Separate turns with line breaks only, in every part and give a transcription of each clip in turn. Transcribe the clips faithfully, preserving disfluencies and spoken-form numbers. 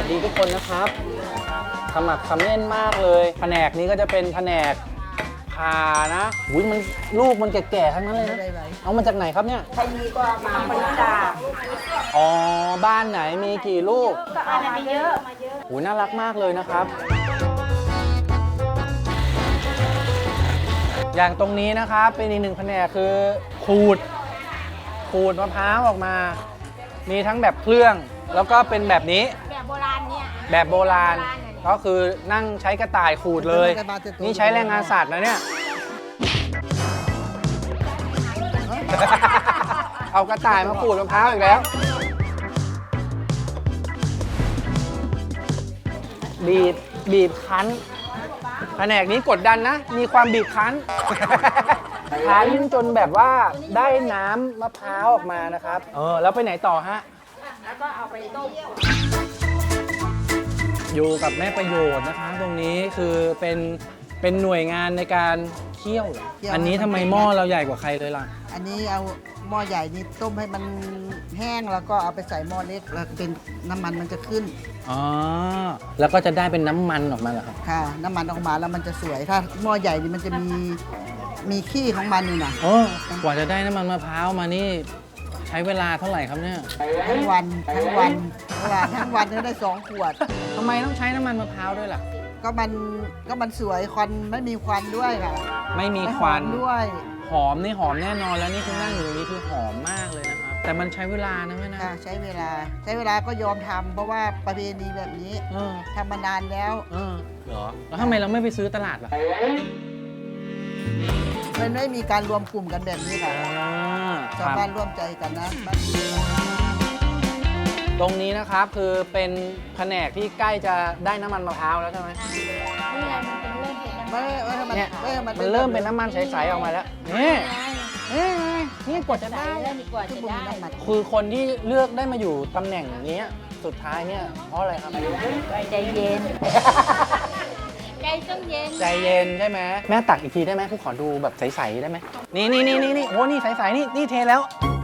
ดีทุกคนนะครับขมักเขม้นมากเลยแผนกนี้ก็จะเป็นแผนกผ่านะอุ้ยมันลูกมันแก่ๆทั้งนั้นเลยนะเอามาจากไหนครับเนี่ย
ใครมีก็มาบริจาค
อ๋อบ้านไหนมีกี่ลูก
ก็เอามาเยอะมาเยอะ
โหน่ารักมากเลยนะครับ อย่างตรงนี้นะครับเป็นอีกหนึ่งแผนกคือขูดขูดมะพร้าวออกมา มีทั้งแบบเครื่องแล้วก็เป็นแบบนี้
แบบโบราณเนี่ย
แบบโบราณก็คือนั่งใช้กระต่ายขูดเลย นี่ใช้แรงงานสัตว์นะเนี่ย เอากระต่ายมาขูดมะพร้าวอีกแล้ว บีบบีบคั้นแผนกนี้กดดันนะ มีความบีบคั้น คั้นจนแบบว่าได้น้ำมะพร้าวออกมานะครับ เออ แล้วไปไหนต่อฮะ
แล้วก็เอาไปต้ม
อยู่กับแม่ประโยชน์นะคะตรงนี้คือเป็นเป็นหน่วยงานในการเคี่ยวเหรอ
เคี่ยว
อันนี้ทำไมหม้อเราใหญ่กว่าใครเลยล่ะ
อันนี้เอาหม้อใหญ่นี้ต้มให้มันแห้งแล้วก็เอาไปใส่หม้อเล็กแล้วเป็นน้ำมันมันจะขึ้น
อ๋อ แล้วก็จะได้เป็นน้ำมันออกมาเหรอครับ
ค่ะ น้ำมันออกมาแล้วมันจะสวย ถ้าหม้อใหญ่นี่มันจะมีมีขี้ของมันนี่นะ
โอ้กว่าจะได้น้ำมันมะพร้าวมานี่ใช้เวลาเท่าไหร่ครับเนี่ย
ทั้งวันทั้งวันเวลาทั้งวันก็ได้สองขวด
ทำไมต้องใช้น้ำมันมะพร้าวด้วยล่ะ
ก็มันก็มันสวยควันไม่มีควันด้วยค่ะ
ไม่มีควัน
ไม่หอมด้วย
หอมนี่หอมแน่นอนแล้วนี่คือนั่งอยู่ตรงนี้คือหอมมากเลยนะครับ แต่มันใช้เวลานะแม่นะ
ค่ะใช้เวลาใช้เวลาก็ยอมทำเพราะว่าประเพณีแบบนี้
เออ
ทำมานานแล้ว
เออเหรอ แล้วทำไมเราไม่ไปซื้อตลาดล่ะ
มันไม่มีการรวมกลุ่มกันแบบนี้ค่ะ
อ่าค
ชาว
รับ
บ้านร่วมใจกันนะ
ตรงนี้นะครับคือเป็นแผนกที่ใกล้จะได้น้ำมันมะพร้าวแล้วใช่ไหม
นี่ไงมันเป็นเรื่องเป็น
ไม่ไม่ให้มัน
เนี่ย
ไม่ให้มัน
มันเริ่มเป็นน้ำมันใสๆออกมาแล้วนี่นี่ไงนี่กว่าจะ
ได้
ได้
แล้วดีกว่า
ที่
จะ
บุญ
ได้
น้ำมัน
คือคนที่เลือกได้มาอยู่ตำแหน่งนี้สุดท้ายเนี่ยเพราะอะไรครับ
ใจเย็น ใจต้องเย็น
ใจเย็นใช่ไหมแม่ตักอีกทีได้ไหมผู้ขอดูแบบใสๆได้ไหมนี่นี่นี่นี่นี่โอ้นี่ใสๆนี่นี่เทแล้ว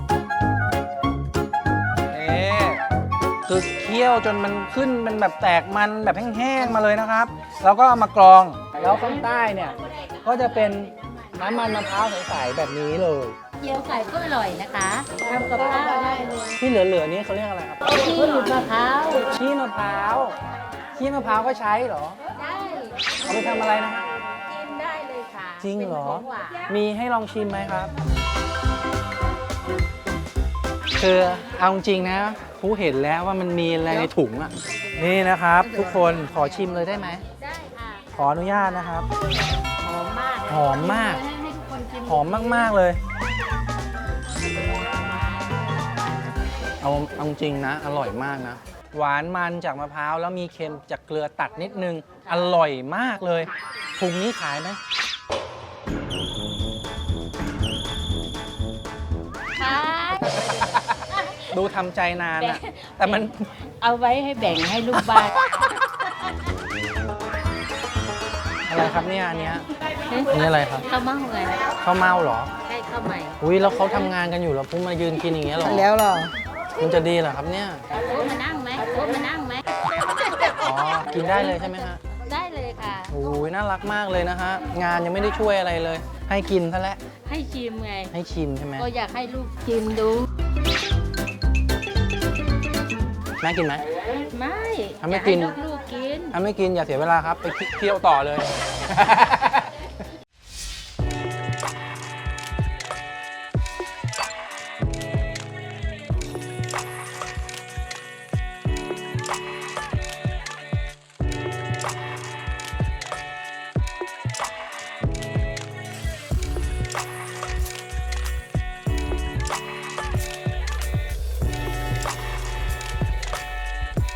นี่คือเคี่ยวจนมันขึ้นเป็นแบบแตกมันแบบแห้งๆมาเลยนะครับแล้วก็เอามากรองแล้วข้างใต้เนี่ยก็จะเป็นน้ำมันมะพร้าวใสๆแบบนี้เลย
เจียวไก่ก็อร่อยนะคะทำกับข้าวได้เลย
ที่เหลือๆนี้เขาเรียกอะไรครับ
ที่หลุดมะพร้าว
ขี้มะพร้าวขี้มะพร้าวก็ใช้เหรอ
ได้
เอาไปทำอะไรนะฮะ
กินได้เลยค่ะ
จริงเหรอ
เป็นของหวาน
มีให้ลองชิมไหมครับ คือเอาจริงนะผู้เห็นแล้วว่ามันมีอะไรในถุงอ่ะ นี่นะครับ ทุกคนขอชิมเลยได้ไหม
ได้ค่ะ
ขออนุญาตนะครับ
หอมมาก
หอมมาก
ให้ให้ทุกคนกิน
หอมมาก ๆ เลย เอาเอาจริงนะ อร่อยมากนะ หวานมันจากมะพร้าวแล้วมีเค็มจากเกลือตัดนิดนึง อร่อยมากเลยถุงนี้ขายไหม
ค่ะ
ดูทำใจนานอะแต่มัน
เอาไว้ให้แบ่งให้ลูกบ้าน
อะไรครับเนี่ยอันเนี้ยอันนี้อะไรครับ
ข้าวเม่าไง
ข้าวเม่าเหรอ
ใช่ข้าวใหม่
อุ้ยแล้วเขาทำงานกันอยู่แล้วพุ่งมายืนกินอย่างเงี้ยเหรอ
แล้วเหรอ
มันจะดีเหรอครับเนี่ย
โต๊ะมานั่งไหมโต๊ะมานั่งไหม
อ๋อ กินได้เลยใช่ไหมฮะ
ได้เลยค่ะ
โอ้ยน่ารักมากเลยนะฮะ งานยังไม่ได้ช่วยอะไรเลย ให้กินซะแล้ว
ให้ชิมไง
ให้ชิมใช่ไหม
ก็อยากให้ลูกชิมดู
แม่กินไหม
ไม่
ทำไม
อยา
กิน
ให้ลูกๆกิน
ถ้าไม่กินอย่าเสียเวลาครับ ไปเที่ยวต่อเลย